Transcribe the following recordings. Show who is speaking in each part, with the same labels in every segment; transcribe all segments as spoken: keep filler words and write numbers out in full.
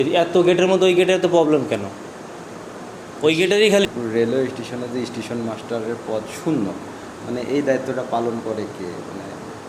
Speaker 1: এত গেটের মধ্যে ওই গেটের তো প্রবলেম কেন? ওই গেটেরই খালি
Speaker 2: রেলওয়ে স্টেশনে যে স্টেশন মাস্টারের পদ শূন্য, মানে এই দায়িত্বটা পালন করে কে? মানে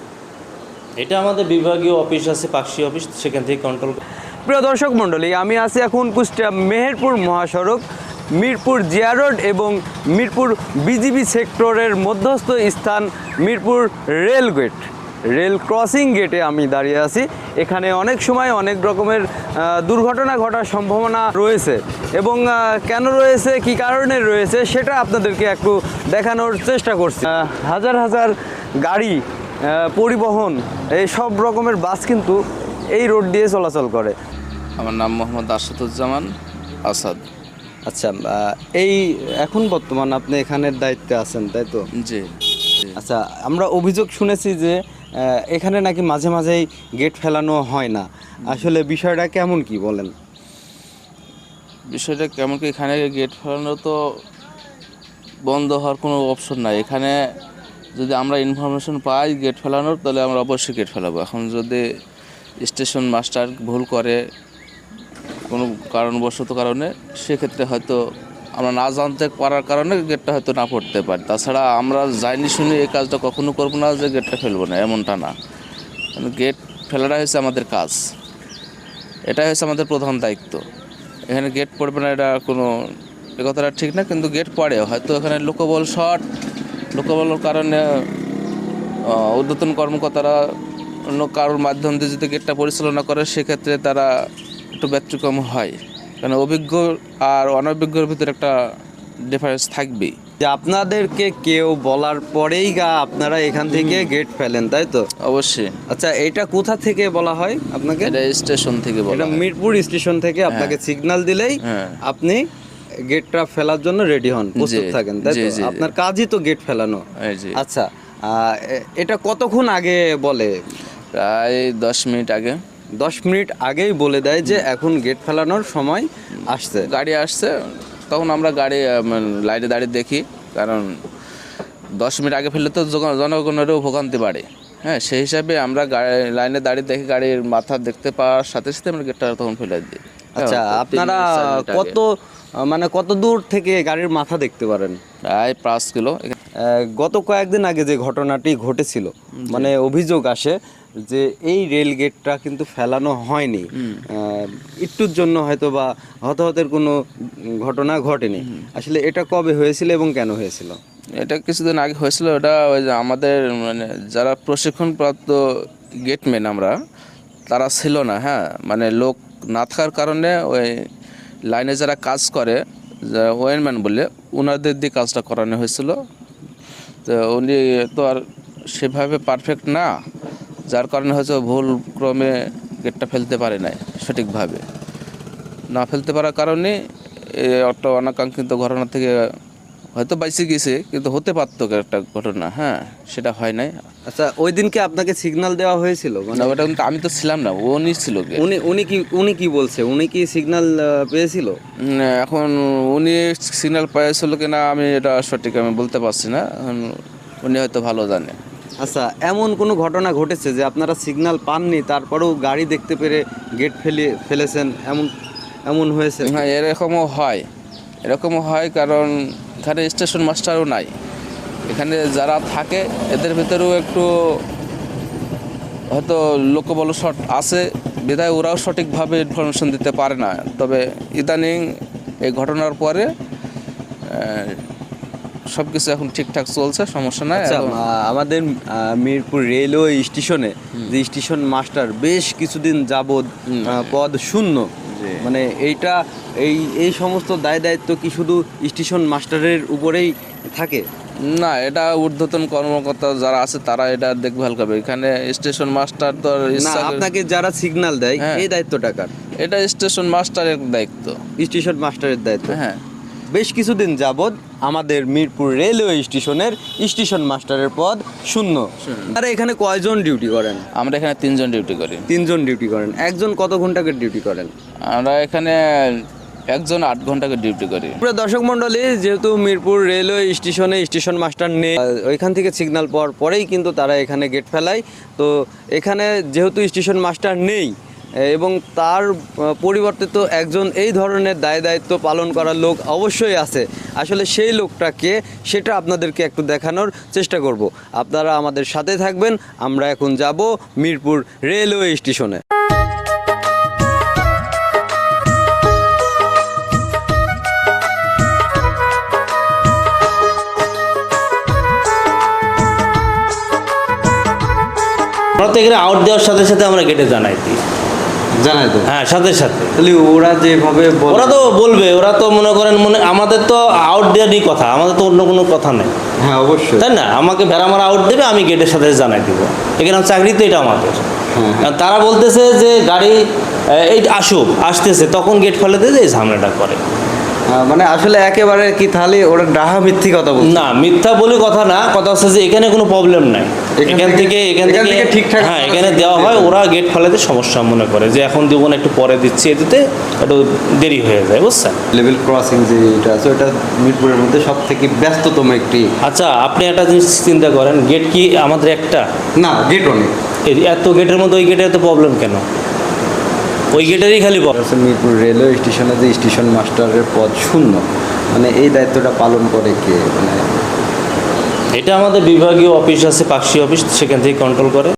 Speaker 1: এটা আমাদের বিভাগীয় অফিস আছে, পাকশি অফিস, সেখান থেকে কন্ট্রোল।
Speaker 3: প্রিয় দর্শক মণ্ডলী, আমি আছি এখন কুষ্টিয়া মেহেরপুর মহাসড়ক, মিরপুর জিয়া রোড এবং মিরপুর বিজিবি সেক্টরের মধ্যস্থ স্থান Mirpur rail gate, rail crossing গেটে আমি দাঁড়িয়ে আছি। এখানে অনেক সময় অনেক রকমের দুর্ঘটনা ঘটার সম্ভাবনা রয়েছে এবং কেন রয়েছে, কি কারণে রয়েছে, সেটা আপনাদেরকে একটু দেখানোর চেষ্টা করছি। হাজার হাজার গাড়ি, পরিবহন, এই সব রকমের বাস কিন্তু এই রোড দিয়ে চলাচল করে।
Speaker 4: আমার নাম মোহাম্মদ আসাদুজ্জামান আসাদ।
Speaker 2: আচ্ছা, এই এখন বর্তমান আপনি এখানের দায়িত্বে আছেন, তাই তো?
Speaker 4: জি।
Speaker 2: আচ্ছা, আমরা অভিযোগ শুনেছি যে এখানে নাকি মাঝে মাঝেই গেট ফেলানো হয় না, আসলে বিষয়টা কেমন, কি বলেন?
Speaker 4: বিষয়টা কেমন কি, এখানে গেট ফেলানো তো বন্ধ হওয়ার কোনো অপশন নাই। এখানে যদি আমরা ইনফরমেশন পাই গেট ফেলানোর, তাহলে আমরা অবশ্যই গেট ফেলাবো। এখন যদি স্টেশন মাস্টার ভুল করে কোনো কারণবশত কারণে, সেক্ষেত্রে হয়তো আমরা না জানতে পারার কারণে গেটটা হয়তো না পড়তে পারি। তাছাড়া আমরা যাইনি শুনি এই কাজটা কখনো করবো না যে গেটটা ফেলবো না, এমনটা না। গেট ফেলাটা হচ্ছে আমাদের কাজ, এটাই হচ্ছে আমাদের প্রধান দায়িত্ব। এখানে গেট পড়বে না এটা কোনো এ কথাটা ঠিক না, কিন্তু গেট পড়ে। হয়তো এখানে লোকবল শর্ট, লোকবলের কারণে ঊর্ধ্বতন কর্মকর্তারা অন্য কারোর মাধ্যম দিয়ে যদি গেটটা পরিচালনা করে, সেক্ষেত্রে তারা একটু ব্যতিক্রম হয়। কারণ অভিজ্ঞ আর অনভিজ্ঞর ভিতরে একটা ডিফারেন্স থাকবেই।
Speaker 2: যে আপনাদেরকে কেউ বলার পরেই গা আপনারা এখান থেকে গেট ফেলেন, তাই তো?
Speaker 4: অবশ্যই।
Speaker 2: আচ্ছা, এটা কোথা থেকে বলা হয় আপনাকে?
Speaker 4: এটা স্টেশন থেকে বলা
Speaker 2: এটা
Speaker 4: হয়।
Speaker 2: মিরপুর স্টেশন থেকে আপনাকে সিগন্যাল দিলেই
Speaker 4: হ্যাঁ।
Speaker 2: আপনি গেটটা ফেলার জন্য রেডি হন, প্রস্তুত থাকেন, তাই তো? আপনার কাজই তো গেট ফেলানো। আচ্ছা, এটা কতক্ষণ আগে বলে?
Speaker 4: প্রায় দশ মিনিট আগে।
Speaker 2: দশ মিনিট আগেই বলে দেয় যে এখন গেট ফেলানোর সময় আসছে,
Speaker 4: গাড়ি আসছে। তখন আমরা গাড়ি লাইনে দাঁড়িয়ে দেখি, কারণ দশ মিনিট আগে ফেললে তো জনগণেরও ভোগান্তি বাড়ে। হ্যাঁ, সেই হিসাবে আমরা গাড়ি লাইনে দাঁড়িয়ে দেখি, গাড়ির মাথা দেখতে পাওয়ার সাথে সাথে আমরা গেটটা তখন ফেলে দিই।
Speaker 2: আচ্ছা, আপনারা কত মানে কত দূর থেকে গাড়ির মাথা দেখতে পারেন?
Speaker 4: প্রায় পাঁচ কিলো।
Speaker 2: গত কয়েকদিন আগে যে ঘটনাটি ঘটেছিল, মানে অভিযোগ আসে যে এই রেল গেটটা কিন্তু ফেলানো হয়নি, একটুর জন্য হয়তো বা হতাহতের কোনো ঘটনা ঘটেনি। আসলে এটা কবে হয়েছিল এবং কেন হয়েছিল?
Speaker 4: এটা কিছুদিন আগে হয়েছিল। ওটা ওই যে আমাদের মানে যারা প্রশিক্ষণপ্রাপ্ত গেটম্যান আমরা, তারা ছিল না। হ্যাঁ, মানে লোক না থাকার কারণে ওই লাইনে যারা কাজ করে, যারা ওয়েনম্যান বলে, ওনাদের দিয়ে কাজটা করানো হয়েছিল। তো উনি তো আর সেভাবে পারফেক্ট না, যার কারণে হয়তো ভুল ক্রমে গেটটা ফেলতে পারে নাই সঠিকভাবে। না ফেলতে পারার কারণে একটা অনাকাঙ্ক্ষিত ঘটনা থেকে হয়তো বাইসে গেছে, কিন্তু হতে পারতো একটা ঘটনা। হ্যাঁ, সেটা হয় নাই।
Speaker 2: আচ্ছা, ওই দিনকে আপনাকে সিগন্যাল দেওয়া হয়েছিল?
Speaker 4: না, ওটা কিন্তু আমি তো ছিলাম না, উনি ছিল।
Speaker 2: উনি উনি কি উনি কি বলছে? উনি কি সিগন্যাল পেয়েছিল?
Speaker 4: এখন উনি সিগন্যাল পেয়েছিল কিনা আমি এটা সঠিক আমি বলতে পারছি না, উনি হয়তো ভালো জানে।
Speaker 2: আচ্ছা, এমন কোনো ঘটনা ঘটেছে যে আপনারা সিগন্যাল পাননি, তারপরেও গাড়ি দেখতে পেরে গেট ফেলে ফেলেছেন, এমন এমন হয়েছে?
Speaker 4: হ্যাঁ, এরকমও হয়, এরকমও হয়। কারণ এখানে স্টেশন মাস্টারও নাই। এখানে যারা থাকে এদের ভিতরেও একটু হয়তো লোকবল শর্ট আছে, বিধায় ওরাও সঠিকভাবে ইনফরমেশন দিতে পারে না। তবে ইদানিং এই ঘটনার পরে সব কিছু এখন ঠিকঠাক চলছে, সমস্যা নাই।
Speaker 2: আচ্ছা, আমাদের মিরপুর রেলওয়ে স্টেশনে যে স্টেশন মাস্টার বেশ কিছুদিন যাবৎ পদ শূন্য, মানে এইটা এই এই সমস্ত দায় দায়িত্ব কি শুধু স্টেশন মাস্টারের উপরেই থাকে?
Speaker 4: না, এটা ঊর্ধ্বতন কর্মকর্তা যারা আছে তারা এটা দেখভাল করবে। এখানে স্টেশন মাস্টার তো
Speaker 2: না, আপনাকে যারা সিগন্যাল দেয় এই দায়িত্বটা কার?
Speaker 4: এটা স্টেশন মাস্টারের দায়িত্ব,
Speaker 2: স্টেশন মাস্টারের দায়িত্ব।
Speaker 4: হ্যাঁ,
Speaker 2: বেশ কিছুদিন যাবৎ আমাদের মিরপুর রেলওয়ে স্টেশনের স্টেশন মাস্টারের পদ শূন্য। আর এখানে কয়জন ডিউটি করেন?
Speaker 4: আমরা এখানে তিনজন ডিউটি করি।
Speaker 2: তিনজন ডিউটি করেন। একজন কত ঘন্টা করে ডিউটি করেন?
Speaker 4: আমরা এখানে একজন আট ঘন্টা করে ডিউটি করি।
Speaker 2: পুরো দর্শক মণ্ডলী, যেহেতু মিরপুর রেলওয়ে স্টেশনে স্টেশন মাস্টার নেই, ওইখান থেকে সিগন্যাল পাওয়ার পরেই কিন্তু তারা এখানে গেট ফেলায়। তো এখানে যেহেতু স্টেশন মাস্টার নেই, এবং তার আহ, পরিবর্তে তো একজন এই ধরনের দায় দায়িত্ব পালন করার লোক অবশ্যই আছে। আসলে সেই লোকটাকে সেটা আপনাদেরকে একটু দেখানোর চেষ্টা করব। আপনারা আমাদের সাথে থাকবেন। আমরা এখন যাব মিরপুর রেলওয়ে স্টেশনে।
Speaker 1: আমরা তো এখানে আউট দেওয়ার সাথে সাথে আমরা গেটে জানাই দিই।
Speaker 2: জানাই তো,
Speaker 1: হ্যাঁ, সাথে সাথে।
Speaker 2: তাহলে ওরা যেভাবে বলে-
Speaker 1: ওরা তো বলবে, ওরা তো মনে করেন মনে আমাদের তো আউট দেওয়ারই কথা, আমাদের তো অন্য কোনো কথা নেই,
Speaker 2: হ্যাঁ অবশ্যই,
Speaker 1: তাই না? আমাকে ভেড়া মারা আউট দেবে, আমি গেটের সাথে জানাই দিব। এখানে চাকরি তো এটা আমাদের।
Speaker 2: হ্যাঁ,
Speaker 1: আর তারা বলতেছে যে গাড়ি আহ, এই আসুক, আসতেছে, তখন গেট ফেলে দিয়ে এই ঝামেলাটা করে।
Speaker 2: আহ, মানে আসলে একেবারে কি তাহলে ওরা ডাহা মিথ্যি কথা বলছে।
Speaker 1: না, মিথ্যা বলে কথা না, কথা হচ্ছে যে এখানে কোনো প্রবলেম নাই।
Speaker 2: এখান
Speaker 1: এখান থেকে
Speaker 2: থেকে-
Speaker 1: এখান
Speaker 2: এখান
Speaker 1: থেকে
Speaker 2: থেকে ঠিকঠাক
Speaker 1: হ্যাঁ,
Speaker 2: ভাবে
Speaker 1: এখানে
Speaker 2: সিগন্যাল
Speaker 1: দেওয়া হয়।
Speaker 2: দেবে।
Speaker 1: ওরা গেট ফেলাতে সমস্যা মনে করে যে এখন দিব না, একটু পরে দিচ্ছি, এদিতে একটু দেরি হয়ে যায়, বুঝছেন?
Speaker 2: লেভেল ক্রসিং যে এটা আছে ওটা মিরপুরের মধ্যে সব থেকে ব্যস্ততম একটি।
Speaker 1: আচ্ছা, আপনি একটা জিনিস চিন্তা করেন, গেট কি আমাদের একটা?
Speaker 2: না, গেট অনেক।
Speaker 1: এই এত গেটের মধ্যে ওই গেটের তো প্রবলেম কেন? ওই গেটেরই খালি প্রবলেম।
Speaker 2: আছে মিরপুর রেলওয়ে স্টেশনে যে স্টেশন মাস্টারের পদ শূন্য, মানে এই দায়িত্বটা পালন করে কে? মানে
Speaker 1: এটা আমাদের বিভাগীয় অফিস আছে, পাকশি অফিস, সেখান থেকে কন্ট্রোল করে।